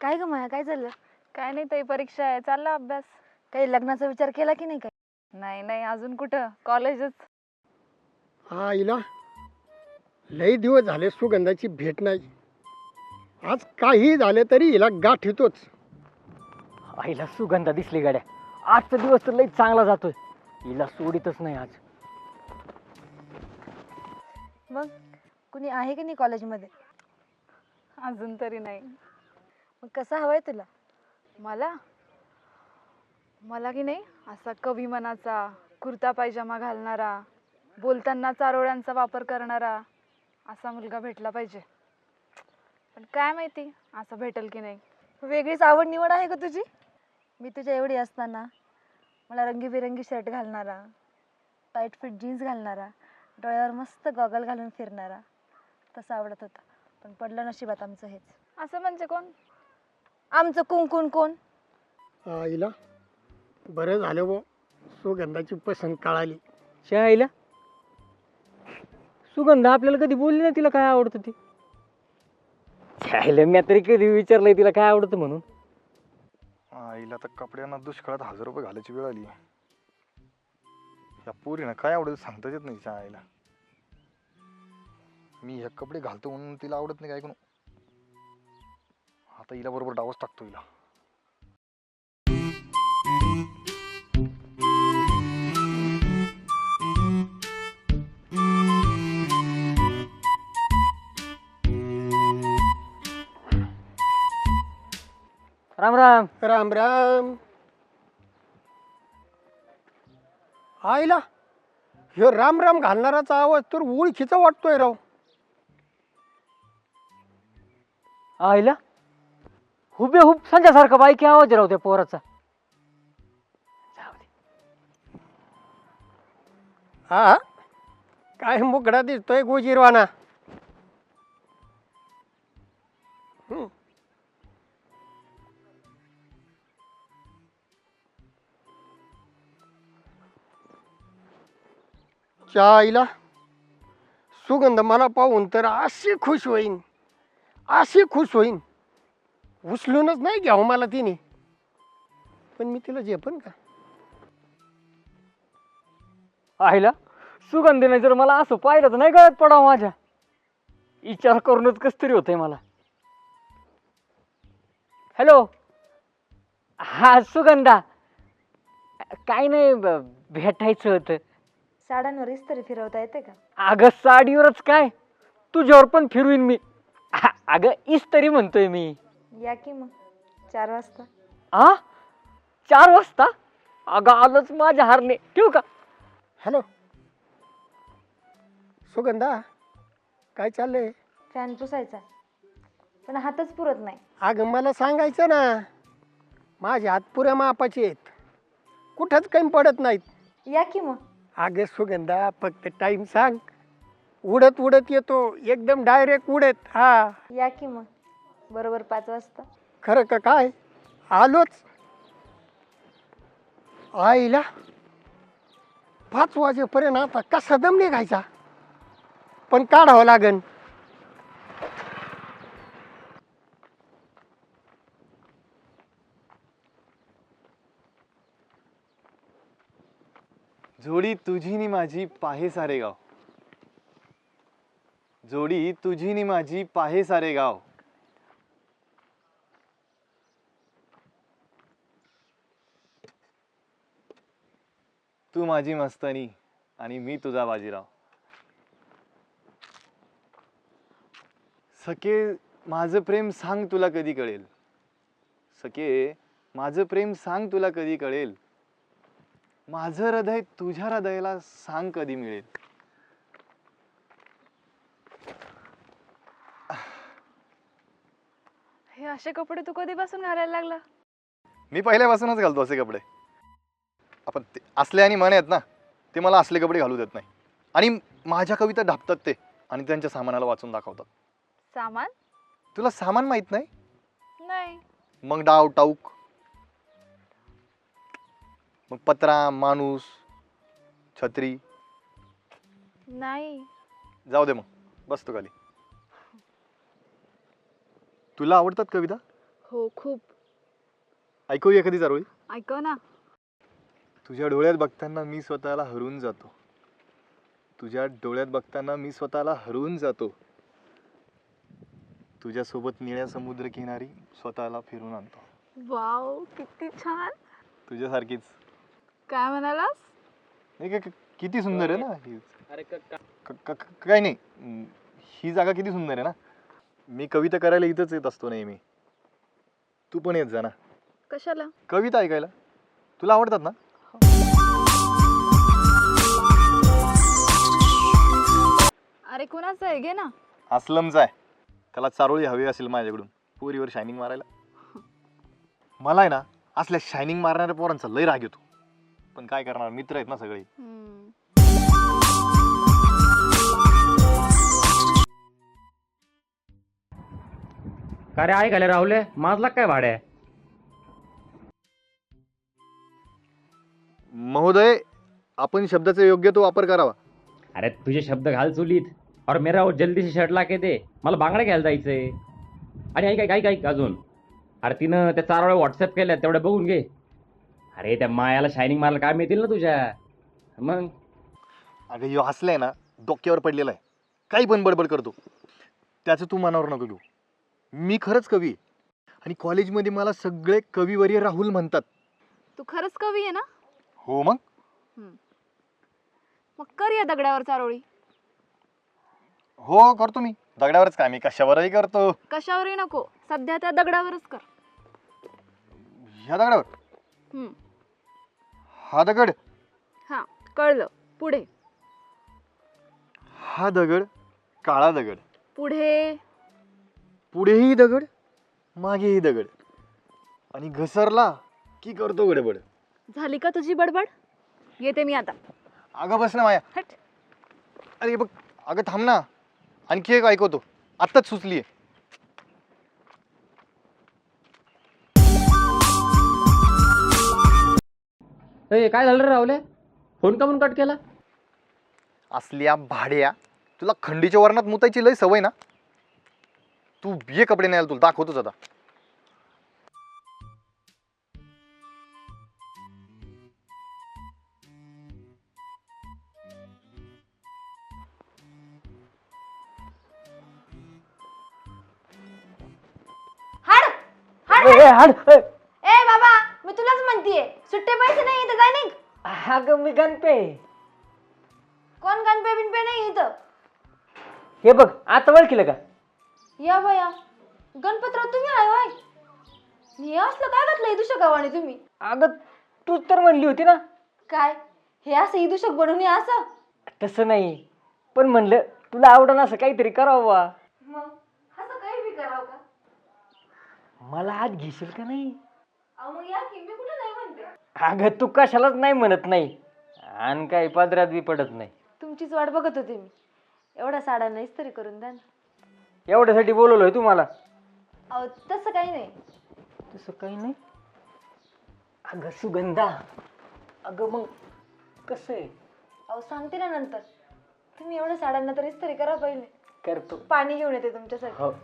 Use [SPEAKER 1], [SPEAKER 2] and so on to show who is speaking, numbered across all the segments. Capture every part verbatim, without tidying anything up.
[SPEAKER 1] काय ग माया, काय झालं?
[SPEAKER 2] काय नाही ताई, परीक्षा आहे, चालला अभ्यास.
[SPEAKER 1] काही लग्नाचा विचार केला की नाही? काय
[SPEAKER 2] नाही नाही, अजून कुठं, कॉलेजच.
[SPEAKER 3] हा हिला लई दिवस झाले सुगंधाची भेट नाही. आज काही झाले तरी हिला गाठ येतोच.
[SPEAKER 4] आईला सुगंधा दिसली गाड्या. आजचा दिवस तर लई चांगला जातोय. हिला सोडितच नाही आज.
[SPEAKER 1] मग कुणी आहे की नाही कॉलेजमध्ये?
[SPEAKER 2] अजून तरी नाही.
[SPEAKER 1] मग कसा हवाय तुला?
[SPEAKER 2] मला मला की नाही असा कवी मनाचा, कुर्ता पायजामा घालणारा, बोलताना चारोळ्यांचा वापर करणारा असा मुलगा भेटला पाहिजे. पण काय माहिती असं भेटेल की नाही.
[SPEAKER 1] वेगळीच आवड निवड आहे का तुझी? मी तुझ्या एवढी असताना मला रंगीबेरंगी शर्ट घालणारा, टाईट फिट जीन्स घालणारा, डोळ्यावर मस्त गॉगल घालून फिरणारा तसं आवडत होता. पण पडलं नशिबात आमचं हेच.
[SPEAKER 2] असं म्हणजे कोण?
[SPEAKER 1] आमचं कुंकुन कोण?
[SPEAKER 3] हा हिला बरं झालं वो सुगंधाची पसंत कळाली.
[SPEAKER 4] शाळेला सुगंधा आपल्याला कधी बोलली नाही तिला काय आवडतं ते. शाळेला मी तरी कधी विचारलंय तिला काय आवडतं म्हणून.
[SPEAKER 5] आईला तर कपड्यांना दुष्काळात हजार रुपये घालायची वेळ आली. या पोरीनं काय आवडत सांगताच येत नाही. आईला मी हे कपडे घालतो म्हणून तिला आवडत नाही काय ऐकून. आता हिला बरोबर डावच टाकतो हिला.
[SPEAKER 4] राम राम.
[SPEAKER 3] राम राम. आईला ह्यो राम राम घालणाराचा आवाज तर ओळखीचा वाटतोय राव.
[SPEAKER 4] आईला हुबेहूब संध्यासारखा बाईकी आवाज राव त्या पोराचा. जाऊ दे.
[SPEAKER 3] हा काय मुगडा दिसतोय गोजीरवाना. हम्म. आईला सुगंध मला पाहून तर अशी खुश होईन, अशी खुश होईन. उचलूनच नाही घ्यावं मला तिने. पण मी तिला झेपन का?
[SPEAKER 4] आईला सुगंधीने जर मला असं पाहिलं तर नाही गळत पडावं माझ्या. विचार करूनच कस तरी होतंय मला. हॅलो. हा सुगंधा. काय नाही ब- भेटायचं होतं.
[SPEAKER 1] साड्यांवर इस्त्री फिरवता येते का?
[SPEAKER 4] अगं साडीवरच काय, तुझ्यावर पण फिरवीन मी. आ- अगं इस्तरी म्हणतोय मी.
[SPEAKER 1] या की मग चार वाजता.
[SPEAKER 4] आ चार वाजता? अगं आलंच माझ्या हारने. ठेवू का?
[SPEAKER 3] हॅलो सुगंधा, काय चाललंय?
[SPEAKER 1] फॅन पुसायचा पण हातच पुरत नाही.
[SPEAKER 3] अगं मला सांगायचं ना, माझे हात पुऱ्या मापाचे आहेत, कुठंच काही पडत नाहीत.
[SPEAKER 1] या की मग.
[SPEAKER 3] अगं सुगंधा फक्त टाइम सांग, उडत उडत येतो एकदम डायरेक्ट उडत. हा
[SPEAKER 1] या की मग बरोबर पाच वाजता.
[SPEAKER 3] खरं का काय? आलोच. आईला पाच वाजेपर्यंत आता कसा दम निघायचा, पण काढावं लागन.
[SPEAKER 6] जोडी तुझी नि माझी पाहे सारे गाव. जोडी तुझी नि माझी पाहे सारे गाव. तू माझी मस्तानी आणि मी तुझा बाजीराव. सखे माझं प्रेम सांग तुला कधी कळेल. सखे माझं प्रेम सांग तुला कधी कळेल. माझं हृदय तुझ्या हृदयाला सांग कधी मिळेल.
[SPEAKER 2] हे असे कपडे तू कधीपासून घालायला लागला?
[SPEAKER 5] मी पहिल्यापासूनच घालतो असे कपडे. आपण ते असले आणि मन आहेत ना, ते मला असले कपडे घालू देत नाही. आणि माझ्या कविता ढापतात ते आणि त्यांच्या सामानाला वाचून दाखवतात.
[SPEAKER 2] सामान?
[SPEAKER 5] तुला सामान माहित नाही?
[SPEAKER 2] नाही.
[SPEAKER 5] मग डाव टाऊक, मग पत्रा, माणूस, छत्री.
[SPEAKER 2] नाही.
[SPEAKER 5] जाऊ दे मग, बस तू खाली. तुला आवडतात कविता?
[SPEAKER 2] हो खूप.
[SPEAKER 5] ऐकू एखादी चारोळी.
[SPEAKER 2] ऐकव ना.
[SPEAKER 5] तुझ्या डोळ्यात बघताना मी स्वतःला हरवून जातो. तुझ्या डोळ्यात बघताना मी स्वतःला हरवून जातो. तुझ्यासोबत निळ्या समुद्र किनारी स्वतःला फिरून आणतो.
[SPEAKER 2] वाव किती छान.
[SPEAKER 5] तुझ्यासारखीच.
[SPEAKER 2] काय म्हणालास?
[SPEAKER 5] नाही का, किती सुंदर आहे ना ही. क- क- क- काय नाही, हम्म, ही जागा किती सुंदर आहे ना. मी कविता करायला इथंच येत असतो नेहमी. तू पण येत जा ना
[SPEAKER 2] कशाला?
[SPEAKER 5] कविता ऐकायला. तुला आवडतात ना.
[SPEAKER 2] अरे कुणाचं आहे घे ना.
[SPEAKER 5] अस्लमचा आहे. त्याला चारोळी हवी असेल माझ्याकडून पोरीवर शायनिंग मारायला. मला आहे ना असल्या शायनिंग मारणाऱ्या पोरांचा लय राग येतो. पण काय करणार, मित्र आहेत ना सगळे.
[SPEAKER 2] हम्म.
[SPEAKER 7] का रे ऐकायला राहुले माझला काय भाड्या?
[SPEAKER 5] महोदय, आपण शब्दाचा योग्य तो वापर करावा.
[SPEAKER 7] अरे तुझे शब्द घाल चुलीत और मेरा वो जल्दी से शर्ट ला के दे. मला बांगड्या घ्यायला जायचंय. आणि ऐक ऐक ऐक ऐक अजून. अरे तिनं त्या चार वेळा व्हॉट्सअप केल्या तेवढ्या बघून घे. अरे त्या मायाला शायनिंग मारायला काय मिळतील ना तुझ्या. मग
[SPEAKER 5] अगं ह्यो हसलाय ना, डोक्यावर पडलेला आहे. काही पण बडबड करतो. त्याचं तू मनावर नको घेऊ. मी खरंच कवी आहे. आणि कॉलेजमध्ये मला सगळे कविवर्य राहुल म्हणतात.
[SPEAKER 2] तू खरंच कवी आहे ना?
[SPEAKER 5] हो मग.
[SPEAKER 2] मग कर या दगडावर चारोळी.
[SPEAKER 5] हो करतो मी. दगडावरच काय, मी कशावरही करतो.
[SPEAKER 2] कशावरही नको, सध्या त्या दगडावरच कर.
[SPEAKER 5] ह्या दगडावर.
[SPEAKER 2] हम्म.
[SPEAKER 5] हा दगड.
[SPEAKER 2] हा कळलं. पुढे.
[SPEAKER 5] हा दगड काळा दगड.
[SPEAKER 2] पुढे.
[SPEAKER 5] पुढेही दगड, मागेही दगड. आणि घसरला की करतो गडबड.
[SPEAKER 2] झाली का तुझी बडबड? येते मी आता.
[SPEAKER 5] अगं बस ना माया.
[SPEAKER 2] हट.
[SPEAKER 5] अरे बघ, अगं थांब ना, आणखी एक ऐकवतो. आत्ताच सुचलीये.
[SPEAKER 7] ए, काय झालं रे राहुले? फोन का म्हणून कट केला?
[SPEAKER 5] असल्या भाड्या, तुला खंडीच्या वरणात मुतायची लय सवय ना. तू ये कपडे नाही तुला दाखवतोच आता.
[SPEAKER 1] हाड हाड
[SPEAKER 4] ए, हाड ए.
[SPEAKER 1] ए बाबा, मी तुलाच म्हणतीये, सुट्टे पैसे नाही इथं, जाय निघ.
[SPEAKER 4] अगं मी गणपे.
[SPEAKER 1] कोण गणपे बिनपे नाही इथं.
[SPEAKER 4] हे बघ आता ओळखीलं का?
[SPEAKER 1] या बया, गणपतराव तुम्ही आहे होय. हे असलं काय घातलं इदूषक गावाने तुम्ही?
[SPEAKER 4] अगं तूच तर म्हणली होती ना.
[SPEAKER 1] काय हे असं इदूषक बनवून हे असं?
[SPEAKER 4] तसं नाही, पण म्हणलं तुला आवडण असं काहीतरी करावं बा.
[SPEAKER 1] मग असं काही बी करावं का?
[SPEAKER 4] मला आत घेशील का नाही?
[SPEAKER 1] अहो मग या की, मी कुठं नाही म्हणते.
[SPEAKER 4] अगं तू कशालाच नाही म्हणत नाही आणि काही पदरात बी पडत नाही.
[SPEAKER 1] तुमचीच वाट बघत होते मी. एवढ्या साड्या नाहीच तरी करून द्या ना.
[SPEAKER 4] एवढ्यासाठी बोलवलोय तुम्हाला.
[SPEAKER 1] अहो तसं काही नाही.
[SPEAKER 4] तसं काही नाही. अगं सुगंधा, अगं मग कसं आहे?
[SPEAKER 1] अहो सांगते ना नंतर. तुम्ही एवढ्या साड्यांना तरीच तरी करा पहिले.
[SPEAKER 4] करतो.
[SPEAKER 1] पाणी घेऊन येते तुमच्यासाठी.
[SPEAKER 4] हो.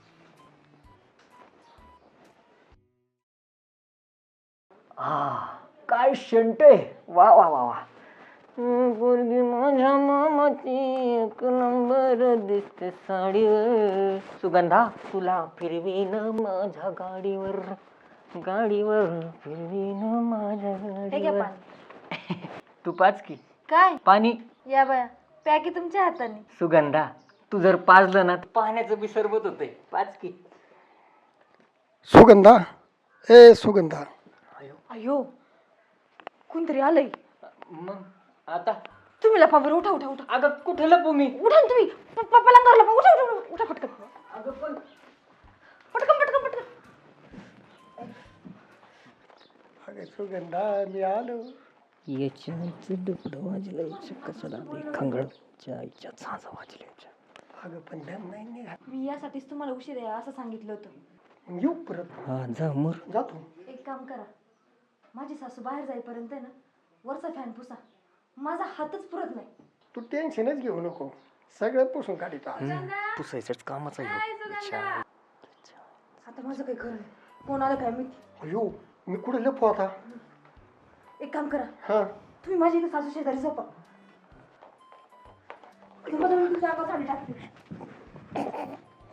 [SPEAKER 4] आ काय शंट आहे. वा वा वा वा. पोरगी माझ्या मामाची एक नंबर दिसते साडीवर. सुगंधा तुला फिरवीन माझ्या गाडीवर, गाडीवर फिरवीन माझ्या
[SPEAKER 1] हे घ्या
[SPEAKER 4] गाडीवर.
[SPEAKER 1] पाणी.
[SPEAKER 4] तू पाच की
[SPEAKER 1] काय
[SPEAKER 4] पाणी.
[SPEAKER 1] या बया, प्या की तुमच्या हाताने.
[SPEAKER 4] सुगंधा तू जर पाजलं ना तर पाण्याचं बी सरबत होतंय. पाच की.
[SPEAKER 3] सुगंधा, ए सुगंधा.
[SPEAKER 1] अयो कोणतरी आलंय.
[SPEAKER 4] मग आता
[SPEAKER 1] तुम्ही लपा बरं. उठा उठा उठा.
[SPEAKER 4] अगं कुठे लपू मी?
[SPEAKER 1] उठा ना तुम्ही. पप्पा पलंगावर लपा. उठा उठा उठा. उठा पटकन.
[SPEAKER 4] अगं पण
[SPEAKER 1] पटकन पटकन पटकन.
[SPEAKER 3] अरे सुगंधा, मी आलो.
[SPEAKER 4] याच्याचं डुकडं वाजलं, याच्या कशाला खंगडच्या आईच्या झाजा वाजल्या.
[SPEAKER 3] अगं पण दम नाही निघात.
[SPEAKER 1] मी यासाठीच तुम्हाला उशीर आहे असं सांगितलं होतं.
[SPEAKER 3] येऊ परत.
[SPEAKER 4] हा जा मोर.
[SPEAKER 3] जातो.
[SPEAKER 1] एक काम करा, माझी सासू बाहेर जाईपर्यंत आहे ना वरचा फॅन पुसा. माझा हातच पुरत नाही.
[SPEAKER 3] तू टेन्शनच घेऊ नको, सगळं पुसून काढितो.
[SPEAKER 4] पुसायचंच कामाचा आहे.
[SPEAKER 1] आता माझं काही खरं नाही. कोण आलं काय मी
[SPEAKER 3] अयो मी कुठे लपू आता?
[SPEAKER 1] एक काम करा,
[SPEAKER 3] हा
[SPEAKER 1] तुम्ही माझी इथे सासू शेजारी झोपा. तुम्हाला मी तुमच्या अंगावर साडी टाकते.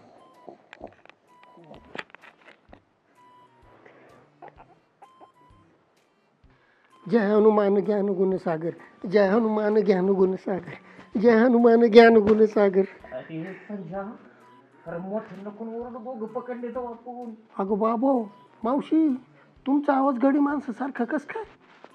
[SPEAKER 3] जय हनुमान ज्ञान गुण सागर, जय हनुमान ज्ञान गुण सागर, जय हनुमान ज्ञान गुण सागर.
[SPEAKER 4] पकडले तर आपण.
[SPEAKER 3] अगं बाबो मावशी, तुमचा आवाज गडी माणसासारखा कस काय?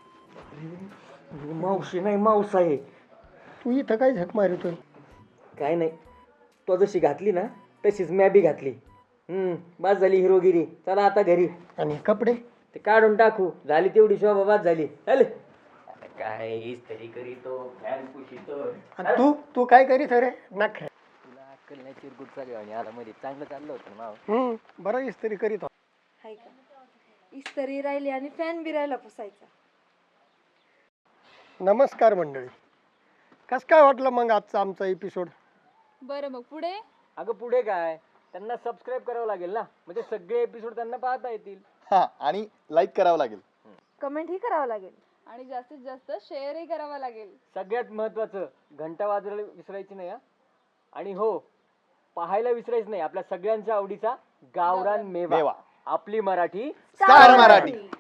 [SPEAKER 4] मावशी नाही मावस आहे.
[SPEAKER 3] तू इथं काय झक मारतोय?
[SPEAKER 4] काय नाही, तो जशी घातली ना तशीच मॅ बी घातली. हम्म बस झाली हिरोगिरी. चला आता घरी.
[SPEAKER 3] आणि हे कपडे
[SPEAKER 4] ते काढून टाकू. झाली तेवढी शोभा बाद झाली. चल. काय इस्त्री करीतो, फॅन पुशितो.
[SPEAKER 3] आणि तू तू काय करीत रे? नख
[SPEAKER 4] तुला अक्कल नाही, चिरगुट चालू आणि आला मध्ये चांगलं चाललं होतं ना.
[SPEAKER 3] हम्म बरं इस्त्री करीत हो.
[SPEAKER 1] हाय का, इस्त्री राहिली आणि फॅन बी राहिला पुसायचा.
[SPEAKER 3] नमस्कार मंडळी, कस काय वाटलं मग आजचा आमचा एपिसोड?
[SPEAKER 2] बरं मग पुढे
[SPEAKER 4] अगं पुढे काय, त्यांना सबस्क्राईब करावं लागेल ना, म्हणजे सगळे एपिसोड त्यांना पाहता येतील.
[SPEAKER 5] हा आणि लाईक करावं लागेल.
[SPEAKER 1] कमेंट ही करावं लागेल.
[SPEAKER 2] आणि जास्तीत जास्त शेअरही करावा लागेल.
[SPEAKER 4] सगळ्यात महत्वाचं घंटा वाजवायला विसरायची नाही हा. आणि हो, पाहायला विसरायचं नाही आपल्या सगळ्यांच्या आवडीचा गावरान मेवा.
[SPEAKER 5] मेवा.
[SPEAKER 4] आपली मराठी
[SPEAKER 5] स्टार मराठी.